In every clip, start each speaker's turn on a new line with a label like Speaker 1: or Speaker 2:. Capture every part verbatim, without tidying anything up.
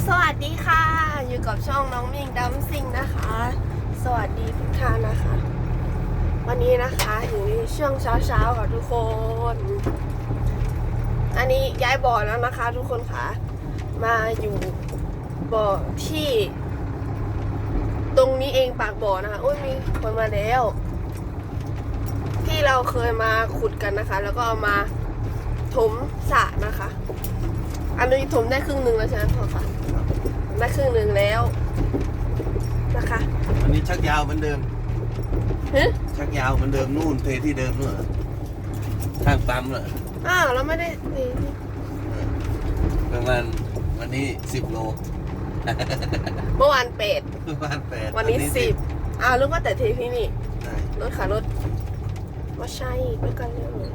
Speaker 1: สวัสดีค่ะอยู่กับช่องน้องมิงดัมซิงนะคะสวัสดีทุกท่านนะคะ วันนี้นะคะอยู่ในช่วงเช้าๆค่ะทุกคนอันนี้ย้ายบ่อแล้วนะคะ ทุกคนค่ะมาอยู่บ่อที่ตรงนี้เองปากบ่อนะคะอุ้ยมีคนมาแล้วที่เราเคยมาขุดกันนะคะ แล้วก็เอามาถมสระนะคะ อันนี้ถมได้ครึ่งหนึ่งแล้วใช่ไหมพ่อคะได้ครึ่งหนึ่งแล้วนะคะ
Speaker 2: วันนี้ชักยาวเหมือนเดิม
Speaker 1: ฮะ
Speaker 2: ชักยาวเหมือนเดิมนู่นเทที่เดิมนู่นเหรอข้างปั๊มเหรอ
Speaker 1: อ้าวเราไม่ได้นี่
Speaker 2: ประมาณวันนี้สิบโล
Speaker 1: เมื่อวานเป็ด
Speaker 2: ประมาณแปด
Speaker 1: วันนี้สิบอ้าวรู้ว่าแต่เทที่นี่
Speaker 2: ใช่
Speaker 1: รถขารถว่าใช่ไปกันเลย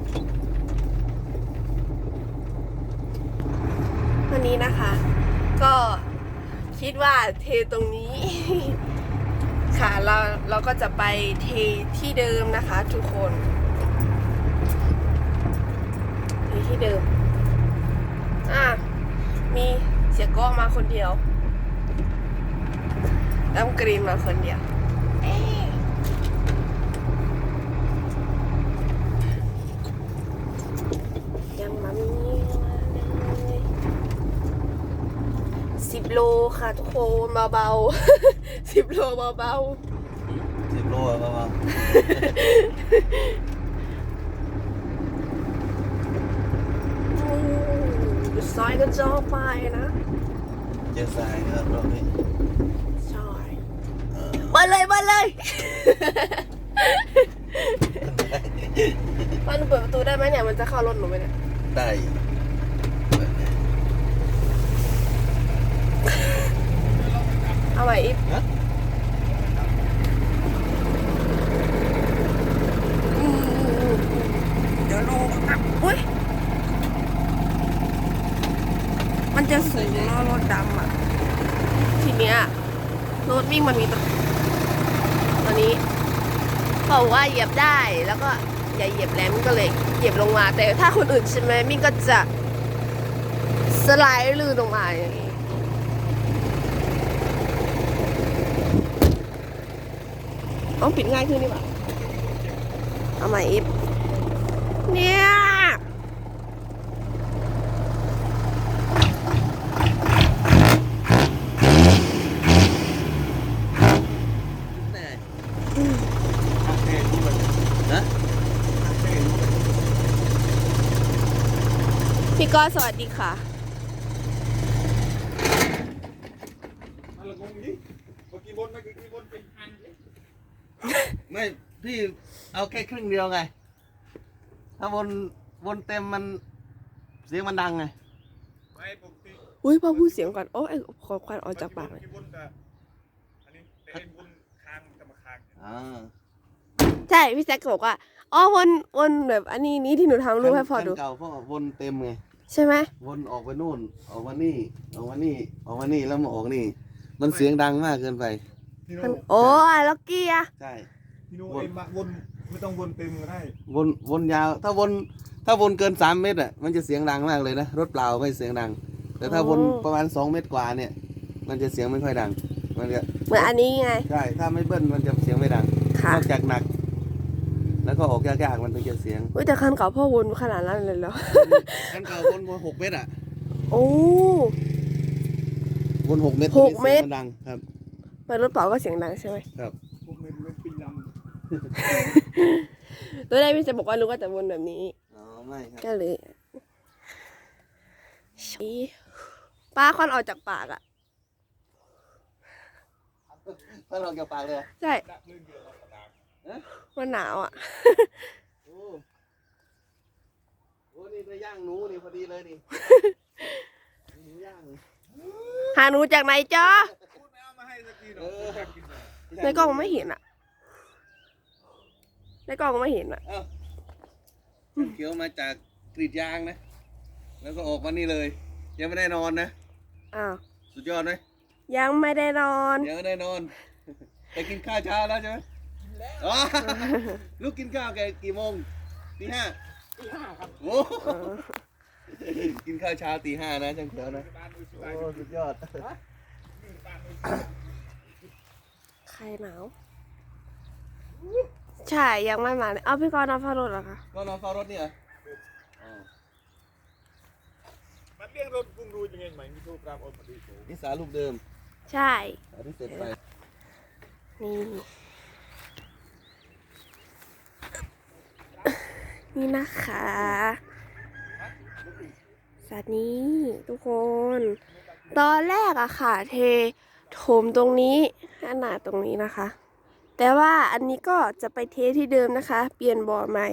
Speaker 1: วันนี้นะคะ ก็คิดว่าเทตรงนี้ ค่ะเราเราก็จะไปเทที่เดิมนะคะ ทุกคนเทที่เดิมอ่ะมีเสียก้องมาคนเดียวน้ำกรีนมาคนเดียวเอ๊ะยังมามีมาเลยสิบโลค่ะทุกคนเบาๆ สิบโลเบาๆ
Speaker 2: สิบโลอะประมาณ
Speaker 1: ซอยก็จ่อไปนะ
Speaker 2: เจอทรายนะครับรอบนี้
Speaker 1: ซอย
Speaker 2: เออ
Speaker 1: มาเลยมาเลยมันเปิดประตูได้ไหมเนี่ยมันจะเข้ารถหนูไหมเนี่ย
Speaker 2: ได้
Speaker 1: เอาใหม่อีก
Speaker 2: ฮะ
Speaker 1: อืมเดี๋ยวดูอ่ะอุ้ยมันจะสูงเนอะรถดำอ่ะทีเนี้ยรถวิ่งมันมีตัวตัวนี้บอกว่าเหยียบได้แล้วก็อย่าเหยียบแรงมันก็เลยเหยียบลงมา แต่ถ้าคนอื่นใช่ไหมมิ่งก็จะสไลด์ลื่นลงมาอย่างนี้ต้องปิดง่ายขึ้นดีกว่าเอาใหม่อีกเนี่ย
Speaker 2: แน่ข้างเทรู้มันนะข้างเทรู้มัน
Speaker 1: พี่ก้อสวัสดีค่ะ
Speaker 2: ไม่พี่เอาแค่ครึ่งเดียวไง ถ้าวนวนเต็มมันเสียงมันดังไง
Speaker 3: ไม่ปกติ
Speaker 1: อุ้ยพอพูดเสียงก่อน โอ้ไอ้ขอควันออกจากปากเลย
Speaker 3: ที่บนกับอันนี้แต่ไอ้บนค้างจะมาค้าง
Speaker 2: อ่า
Speaker 1: ใช่พี่แซคก็บอกว่าอ๋อวนวนแบบอันนี้นี้ที่หนูทำรูปให้พอดู
Speaker 2: คันเก่าเพราะวนเต็มไง
Speaker 1: ใช่ไหม
Speaker 2: วนออกไปนู่น ออกมานี่ ออกมานี่ ออกมานี่แล้วมาออกนี่ มันเสียงดังมากเกินไป
Speaker 3: พี่โน่
Speaker 1: มันโอ้ยล็อกกี้อะ
Speaker 2: ใช่
Speaker 3: พี่โน่เอ็มวนไม่ต้องวนเต็มก็ได้
Speaker 2: วนวนยาว ถ้าวนถ้าวนเกินสามเมตรอ่ะ มันจะเสียงดังมากเลยนะ รถเปล่าไม่เสียงดัง แต่ถ้าวนประมาณสองเมตรกว่าเนี่ย มันจะเสียงไม่ค่อยดัง มันจะ
Speaker 1: เหมือนอันนี้ไง
Speaker 2: ใช่ ถ้าไม่เบิ้ลมันจะเสียงไม่ดัง
Speaker 1: ค่ะ
Speaker 2: นอกจากหนัก แล้วก็ออกยากๆมันถึงจะเสียง
Speaker 1: อุ้ยแต่คันเก่าพ่อวนขนาดนั้นเลยเหรอ
Speaker 2: คันเก่าวนวนหกเมตรอ่ะ
Speaker 1: โอ้
Speaker 2: วนหกเมตร
Speaker 1: หกเมตร
Speaker 2: สียงนดังครับ
Speaker 1: ไปรถเปล่าก็เสียงดังใช่ไหม
Speaker 2: ครับ
Speaker 3: พวกมันเป็นปิงล
Speaker 1: ตัวแรกพี่จะบอกว่ารู้ว่าจะวนแบบนี้
Speaker 2: อ๋อ ไม่ครับ
Speaker 1: ก็เลยชี้ป้าควันออกจากปากอ่ะ
Speaker 2: ถ้าเราเกี่ยวปากเลย
Speaker 1: ใช่
Speaker 3: ำดักลื่นเดือดกระดาษ
Speaker 2: ฮะ
Speaker 1: มันหนาวอ่ะ
Speaker 2: โอ้โหนี่ไปย่างหนูนี่พอดีเลยนี่หนูย่างเลย
Speaker 1: หาหนูจากไหนจ๊ะ
Speaker 3: พูดไม่เอามาให้สักทีหร
Speaker 2: เอ
Speaker 3: อก
Speaker 2: อ
Speaker 3: กินเลย
Speaker 1: ในกล้องไม่เห็นอ่ะในกล้องไม่เห็นอ่ะ
Speaker 2: เอ้าเขียวมาจากกรีดยางนะ แล้วก็ออกมานี่เลย ยังไม่ได้นอนนะ
Speaker 1: อ้าว
Speaker 2: สุดยอดไหม
Speaker 1: ยังไม่ได้นอน
Speaker 2: ยังไม่ได้นอน ไปกินข้าวเช้าแล้วใช่ไหมอ๋อลูกกินข้าวแกกี่โมงตีห้า
Speaker 3: ตีห้าครับ
Speaker 2: โอ้
Speaker 1: เออ
Speaker 2: กินข้าวเช้าตีห้านะช่างเขียวนะ
Speaker 3: บ้านมือชิบ
Speaker 2: โอ้
Speaker 3: หาย
Speaker 2: สุดยอด
Speaker 3: บ้านมือ
Speaker 1: ใครหนาว ใช่ยังไม่มาเลยเอาพี่กรณ์นอนเฝ้ารถเหรอคะ
Speaker 2: ก็นอนเฝ้ารถนี่เหรออ๋อ
Speaker 3: มันเลี้ยงรถกุ้งรูยังไงไหมมีโทรกราบออกมาดูโถ
Speaker 2: นิสาลูกเดิม
Speaker 1: ใช่
Speaker 2: อันที่เสร็จไป
Speaker 1: นี่ นี่นะคะสัตว์นี้ทุกคน ตอนแรกอะค่ะ เทถมตรงนี้ขนาดตรงนี้นะคะ แต่ว่าอันนี้ก็จะไปเทที่เดิมนะคะ เปลี่ยนบ่อใหม่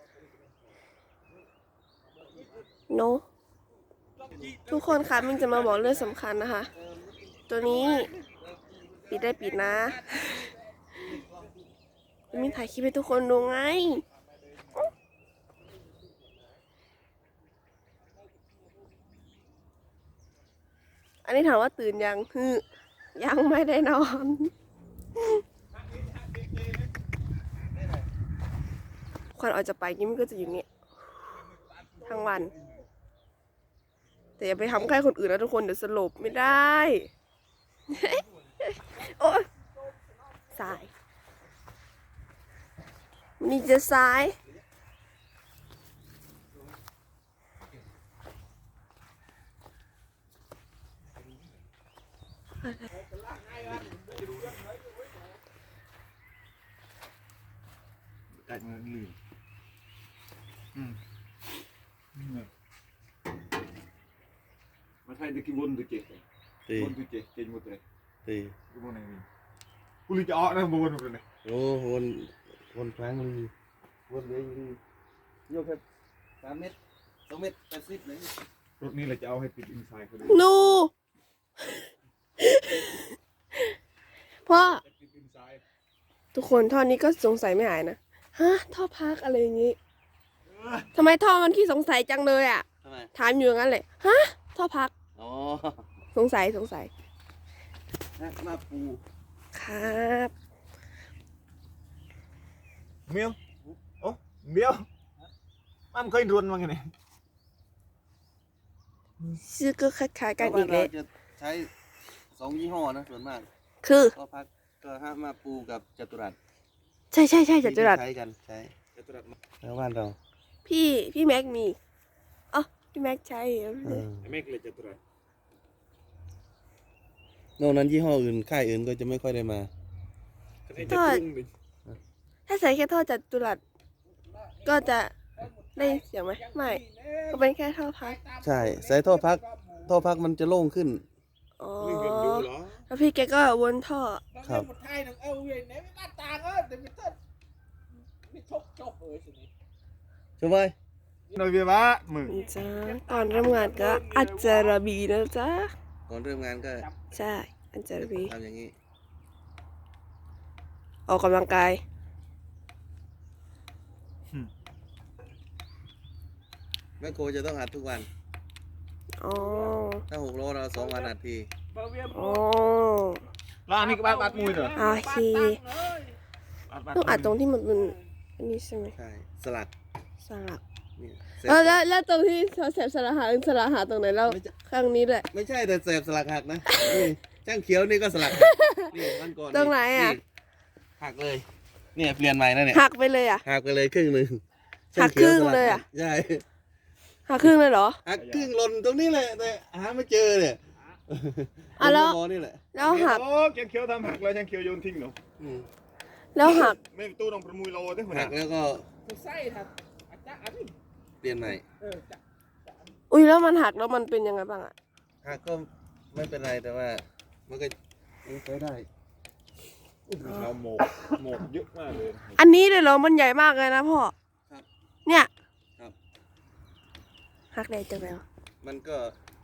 Speaker 1: โนทุกคนคะมินจะมาบอกเรื่องสำคัญนะคะ ตัวนี้ปิดได้ปิดนะมินถ่ายคลิปให้ทุกคนดูไง อันนี้ถามว่าตื่นยังคือยังไม่ได้นอนควันออกจะไปยิ้มนก็จะอยู่เนี่ยทั้งวัน แต่อย่าไปทำใกล้คนอื่นนะทุกคนเดี๋ยวสลบไม่ได้ โอ๊ยสายนี่จะสาย
Speaker 3: กัดมันลืมอืมมาไทยตะกี้วนตะเกีย
Speaker 2: ตี
Speaker 3: วนตะเกียเก่งหมดเลย
Speaker 2: ตี
Speaker 3: กูวนอะไรนี่กูเลยจะออกนะวนหมดเลย
Speaker 2: โอ้วนวนครั้งลีวนเลยลีโยกแค่สามเมตรสองเมตรแปดสิบเลย
Speaker 3: รถนี้เราจะเอาให้ติดอินไซด์เขาเลย
Speaker 1: นูพ่อ
Speaker 3: ติดอินไซด์
Speaker 1: ทุกคนท่อนี้ก็สงสัยไม่หายนะ ฮะ ท่อพักอะไรอย่างงี้ทำไมท่อมันขี้สงสัยจังเลยอ่ะ
Speaker 2: ทำไม
Speaker 1: ถามอยู่อย่างนั้นเลย ฮะ ท่อพัก
Speaker 2: อ๋อ
Speaker 1: สงสัยสงสัย
Speaker 2: นักมาปู
Speaker 1: ครับ
Speaker 3: เมียวโอ้เมียวมันเคยรุนมาไงเนี่ย
Speaker 1: ชื่อก็คล้ายๆกันอีกเล
Speaker 2: เรา
Speaker 1: ย
Speaker 2: จะใช้สองยี่ห้อนะส่วนมาก
Speaker 1: คือ
Speaker 2: ก็พักก็ห้ามาปูกับจตุรัส
Speaker 1: ใช่ใช่ใช่จัตุรัส
Speaker 2: ใช้กันใช้
Speaker 3: จะตรัสมา
Speaker 2: แล้วบ้านเรา
Speaker 1: พี่พี่แม็กมีอ๋อพี่แม็กใช้
Speaker 2: เออ
Speaker 3: ไอ้แม่กเลยจะตรัส
Speaker 2: นอกนั้นยี่ห้ออื่นค่ายอื่นก็จะไม่ค่อยได้มา
Speaker 3: ไอ้จะตุ้งดิ
Speaker 1: ถ้าใส่แค่ท่อจัตุรัสก็จะได้เสียงไหมไม่ก็เป็นแค่ท่อพัก
Speaker 2: ใช่ใส่ท่อพักท่อพักมันจะโล่งขึ้น
Speaker 1: อ๋อ
Speaker 3: ไม่เห็นดูเหรอ
Speaker 1: แล้วพี่แกก็วนท่อ
Speaker 2: ครับ
Speaker 4: một hai thằng Âu về nếu mấy bát tàng á thì mình thật mình thúc chọc rồi sự này
Speaker 2: ใช่ไหม
Speaker 3: หน่อยเวียบ้ามึง
Speaker 1: จ้าก่อนเริ่มงานก็อัจจาระบีนะจ๊ะ
Speaker 2: ก่อนเริ่มงานก็
Speaker 1: ใช่อัจจาระบี
Speaker 2: ทำอย่างนี้
Speaker 1: ออกกำลังกาย
Speaker 2: แม่โคจะต้องอัดทุกวัน
Speaker 1: อ๋อ
Speaker 2: ถ้าหกโลเราสองวันอัดที
Speaker 4: bao viêm
Speaker 1: อ๋อ
Speaker 3: แล้วอันนี้ก็บ้านบัดมุยเหรอ
Speaker 1: โอเค
Speaker 3: บัดบัด
Speaker 1: ต้องอัดตรงที่มันเป็นอันนี้ใช่ไหม
Speaker 2: ใช่สลัก
Speaker 1: สลัก
Speaker 2: เนี่ย
Speaker 1: เออแล้วแล้วตรงที่เขาแสบสลักหาสลักหาตรงไหนแล้ว
Speaker 2: ไม่ใช่
Speaker 1: ข้างนี้ด้วย
Speaker 2: ไม่ใช่แต่เสพสลักหักนะนี่ช่างเขียวนี่ก็สลักหักนี่วันก่อน
Speaker 1: ตรงไหนอะ
Speaker 2: หักเลย เนี่ยเปลี่ยนใหม่นะเนี่ย
Speaker 1: หักไปเลยอ่ะ
Speaker 2: หักไปเลยครึ่งหนึ่ง
Speaker 1: หักครึ่งเลยอะ
Speaker 2: ใช่
Speaker 1: หักครึ่งเลยเหรอ
Speaker 2: หักครึ่งหล่นตรงนี้แหละแต่หาไม่เจอเนี่ย
Speaker 1: อ่ะแล้ว
Speaker 2: บนนี่แหละ
Speaker 1: แล้วหัก
Speaker 3: โอ้แกงเขียวทำหักแล้วแกงเขียวโยนทิ้งเหรอ
Speaker 2: อืม
Speaker 1: แล้วหัก
Speaker 3: ไม่ตู้ต้องประมุยโลด้วย
Speaker 2: หักแล้วก็
Speaker 4: thực say thật à chắc ăn đi
Speaker 2: เปลี่ยนใหม่
Speaker 4: ừ chắc
Speaker 1: อุ้ยแล้วมันหักแล้วมันเป็นยังไงบ้างอ่ะ
Speaker 2: หักก็ไม่เป็นไรแต่ว่ามันก็ยังใช้ได้
Speaker 3: เราหมกหมกเยอะมากเลย
Speaker 1: อันนี้เลยเหรอมันใหญ่มากเลยนะพ่อ
Speaker 2: ครับ
Speaker 1: เนี่ย
Speaker 2: ครับ
Speaker 1: หักได้จังแล้ว
Speaker 2: มันก็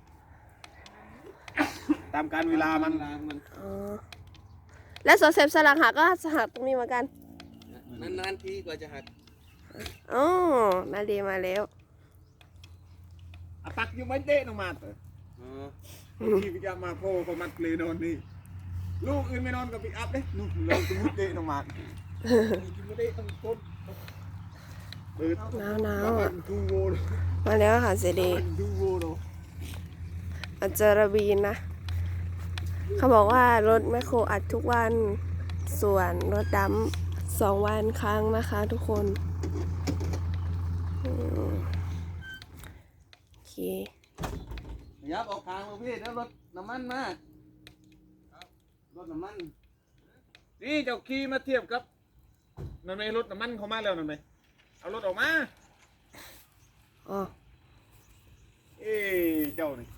Speaker 3: ตามการเวลามัน
Speaker 2: ล้างมัน
Speaker 1: อ๋อแล้วสอเสพสลักหักก็หักตรงนี้เหมือนกัน
Speaker 2: นานๆทีกว่าจะหัก
Speaker 1: อ๋อมาดีมาแล้ว
Speaker 3: อ่ะตักอยู่ไม่เด้นออกมาเถอะ
Speaker 2: อ๋อ
Speaker 3: ที่พิจารมาโพก็มัดเลยนอนนี่ลูกอื่นไม่นอนกับปิกอัพเด้นู่นเราจะมุดเด้นออกมา
Speaker 4: mình chỉ muốn đây thằng con
Speaker 3: เปิด
Speaker 1: หนาวหนาว
Speaker 3: มา
Speaker 1: อ่ะ
Speaker 3: ทูโว
Speaker 1: มาแล้วค่ะเสดี
Speaker 3: ดูโวโร
Speaker 1: อัจจารบีนนะ เขาบอกว่ารถแมคโครอัดทุกวัน ส่วนรถดำสองวันครั้งนะคะทุกคนอืมโอเค
Speaker 2: ยับออกทางลูกพี่แล้วรถน้ำมันมากรถน้ำมัน
Speaker 3: นี่เจ้าขี่มาเทียบกับนั่นไหมรถน้ำมันเขามาแล้วนั่นไหมเอารถออกมา
Speaker 1: อ๋อ
Speaker 3: เอ้เจ้านี่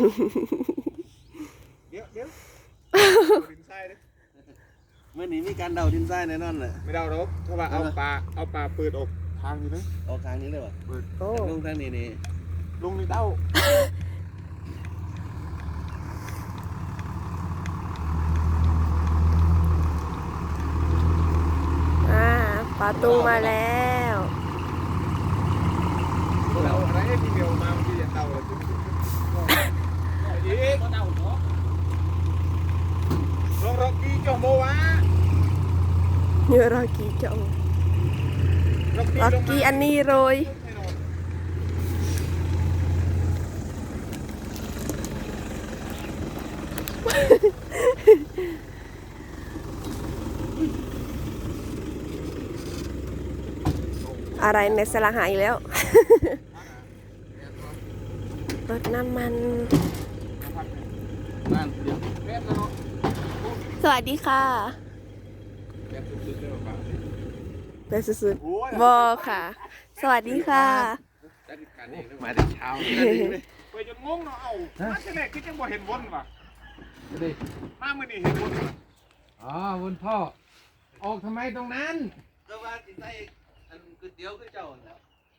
Speaker 3: เดี๋ยวเดี๋ยวดินทรายดิ
Speaker 2: เมื่อนี้มีการเดาดินทรายแน่นอนเลย
Speaker 3: ไม่เดาหรอกเพราะว่าเอาปลาเอาปลาเปิดออกทางนี้นะ
Speaker 2: ออกทางนี้เลยวะ
Speaker 3: เปิด
Speaker 1: โอ้
Speaker 2: ลงทางนี้นี่
Speaker 3: ลงในเต้า
Speaker 1: อ่าปาตุงมาแล้ว
Speaker 3: เราอะไรที่เดียวมาที่เต้าเลยอีก
Speaker 4: ก็เดาเนาะ
Speaker 3: ลงรถกี่จอโมวะ
Speaker 1: เยอะรอกี้จังรอกี้อันนี้โรย อะไรในสละหายแล้ว รถน้ำมัน
Speaker 2: บ้านเดียว
Speaker 3: แป๊บนะเนาะ
Speaker 1: สวัสดีค่ะ
Speaker 3: แป๊บสุดๆเลยป่ะ
Speaker 1: เป็นสุดๆบอค่ะ สวัสดีค่ะ
Speaker 3: จัดการเองมาแต่เช้าไปจนงงเนาะเอ้ามาแต่แรกที่จังบ่เห็นวนว่ะ
Speaker 4: ดิ
Speaker 3: มามื้อนี้เห็นวนว่ะ
Speaker 4: อ๋อวนพ่อ ออกทำไมตรงนั้น
Speaker 2: ก็ว่าสิใส่อันก๋วยเตี๋ยวคือเจ้าแล้ว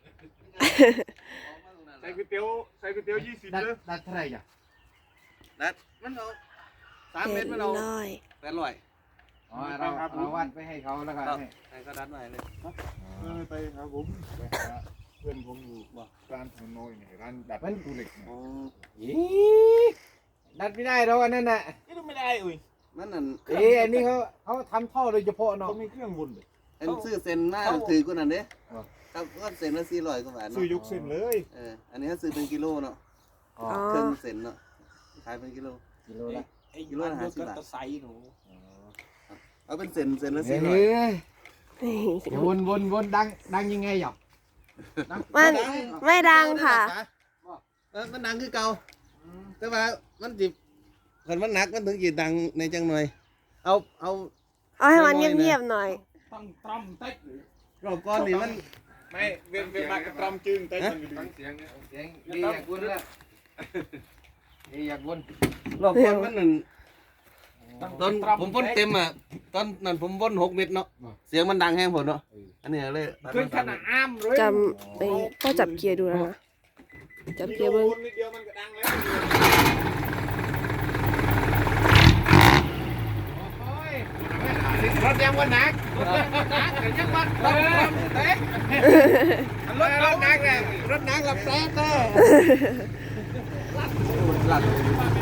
Speaker 3: ใส่ก๋วยเตี๋ยวใส่ก๋วยเตี๋ยวยี่สิบ
Speaker 4: ดัด
Speaker 3: เลย
Speaker 4: ดัดเท่าไหร่จ้ะ
Speaker 2: นัดมันเอาสามเม
Speaker 1: เจ็
Speaker 2: ต
Speaker 1: ด
Speaker 2: รมันเอา
Speaker 1: ร้อย
Speaker 2: แปดร้อย
Speaker 4: อ๋อเราเราวัดไปให้เขาแล้วก็
Speaker 2: ครับ
Speaker 4: ให้
Speaker 2: ให้เขาดัดไว้เลย
Speaker 3: เออไปครับผมไปหาเพื่อนผมอยู่ร้านถนนน้อยเนี่ยร้านดัดตู้เหล็กเนี่ย
Speaker 2: อ๋อ
Speaker 4: อีดัดไม่ได้หรอกอันนั้นน่ะ
Speaker 3: นี่ต้องไม่ได้อุ้ย
Speaker 2: มันนั่น
Speaker 4: เอ้อันนี้เขาเขาทำท่อโดยเฉพาะเนาะ
Speaker 3: เขามีเครื่องวนเลย
Speaker 2: อันซื้อเซ็นมาถือกูนั่นเด้ครับก็เซ็นละสี่ร้อยกว่าบาท
Speaker 3: ซื้อ
Speaker 2: เนาะ
Speaker 3: ยกเส้นเลย
Speaker 2: เอออันนี้เขาซื้อเป็นกิโลเนาะ
Speaker 4: อ๋อ
Speaker 1: อ๋อ
Speaker 2: เครื่องเซ็นเนาะขายเป็นกิโล
Speaker 4: กิโลละ
Speaker 2: กิโลละห้าสิบบาท
Speaker 3: ตะไซหนู
Speaker 2: เอาเป็นเซ็นเซ็นละ
Speaker 4: เฮ้
Speaker 2: สี่ร้อย
Speaker 4: ยเดี๋ยววนวนวนดังดังยังไงหรอ
Speaker 1: มันไม่ดังค่ะ
Speaker 2: เออมันดังคือเก่าแต่ว่ามันจิบคนมันหนักมันถึงจีดังในจังหน่อย เอาเอา
Speaker 1: เอาให้มันเงียบๆหน่อย
Speaker 4: ต้องตรอมเต็ก
Speaker 2: รอบก้อนนี่มัน
Speaker 3: ไม่เวียนเวียนมากระตรอมจึงแต่มันอยู่
Speaker 4: ฟังเสียงเนี่ยเสียงดีอยากวนละดีอยากวน
Speaker 2: รอบก้อนมันนั่นตอนผมพ่นเต็มอ่ะตอนนั้นผมพ่นหกเม็ดเนาะเสียงมันดังแห้งผมเนาะอันนี้เลย
Speaker 3: ขึ้นขนาดอ้ามเลย
Speaker 1: จำไปก็จับเกียร์ดูนะนะจับเกียร์เบิ้ง
Speaker 3: นิดเดียวมันก็ดังแล้ว
Speaker 4: โอ้ยรถยังวันหนักรถยังวันหนักเดี๋ยวยังวันตรอมเต็กรถรถหนักเลยรถหนักกับแซ่เต้
Speaker 2: หลัด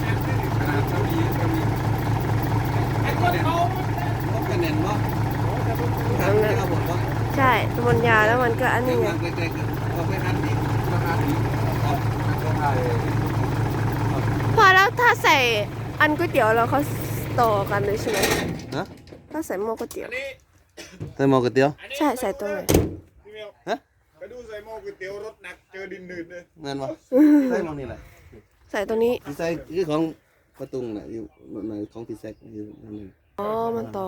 Speaker 4: ไอ้คนเขา
Speaker 2: พบกันแน่นบ่
Speaker 1: ทำ
Speaker 2: ทำ
Speaker 1: นะ
Speaker 2: ได้ครับผมบ่
Speaker 1: ใช่มันยาวแล้วมันก็อัน
Speaker 2: เด็
Speaker 1: นี้
Speaker 2: ก
Speaker 1: ไง
Speaker 2: เด็กๆก็ไปหันอีกมาหันอีกอ๋อก็ถ่าย
Speaker 1: พอแล้วถ้าใส่อันก๋วยเตี๋ยวเราเขาต่อกันเลยใช่ไหม
Speaker 2: ฮะ
Speaker 1: ถ้าใส่หม้อก๋วยเตี๋ยว
Speaker 3: อันนี้
Speaker 2: ใส่หม้อก๋วยเตี๋ยว
Speaker 1: ใช่ใส่ตรงไหน
Speaker 3: พี่เมียว
Speaker 2: ฮะ
Speaker 3: ไปดูใส่หม้อก๋วยเตี๋ยวรถหนักเจอดินหนืดเลย
Speaker 2: เงินบ่ใส่หม้อนี่แหละ
Speaker 1: ใส่ตรงนี้
Speaker 2: ที่ใส่คือของประตุงน่ะอยู่ในของพี่แซกอยู่นั่นนึง
Speaker 1: อ๋อ มันต่อ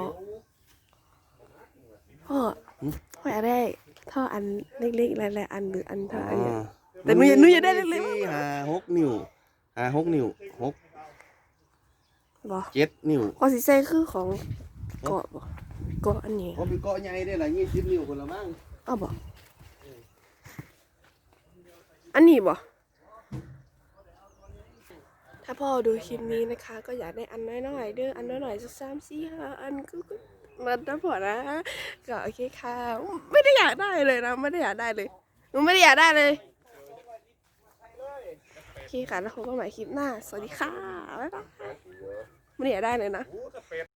Speaker 1: พ่อพ่ออยากได้ท่ออันเล็กๆหลายๆอันหรืออันเท่าอันเนี้ย แต่หนูอยากหนูอยากได้เล็กๆ
Speaker 2: สี่ห้าหกนิ้วห้าหกนิ้วหก
Speaker 1: บอ
Speaker 2: เจ็ดนิ้ว
Speaker 1: ข้อสีใส่คือของเกาะบอเกาะอันนี้
Speaker 2: ผมมีเกาะใหญ่ได้ละยี่สิบนิ้วคนละมั้ง
Speaker 1: อ้าวบออันนี้บอถ้าพ่อดูคลิปนี้นะคะ ก็อยากได้อันน้อยๆเด้ออันน้อยๆสักสามสี่ห้าอันก็ก็มันนะพอนะก็โอเคค่ะไม่ได้อยากได้เลยนะไม่ได้อยากได้เลยหนูไม่ได้อยากได้เลยโอเคค่ะแล้วพบกันใหม่คลิปหน้าสวัสดีค่ะบ๊ายบายไม่ได้อยากได้เลยนะ
Speaker 3: โอ้ถ้าเป็ด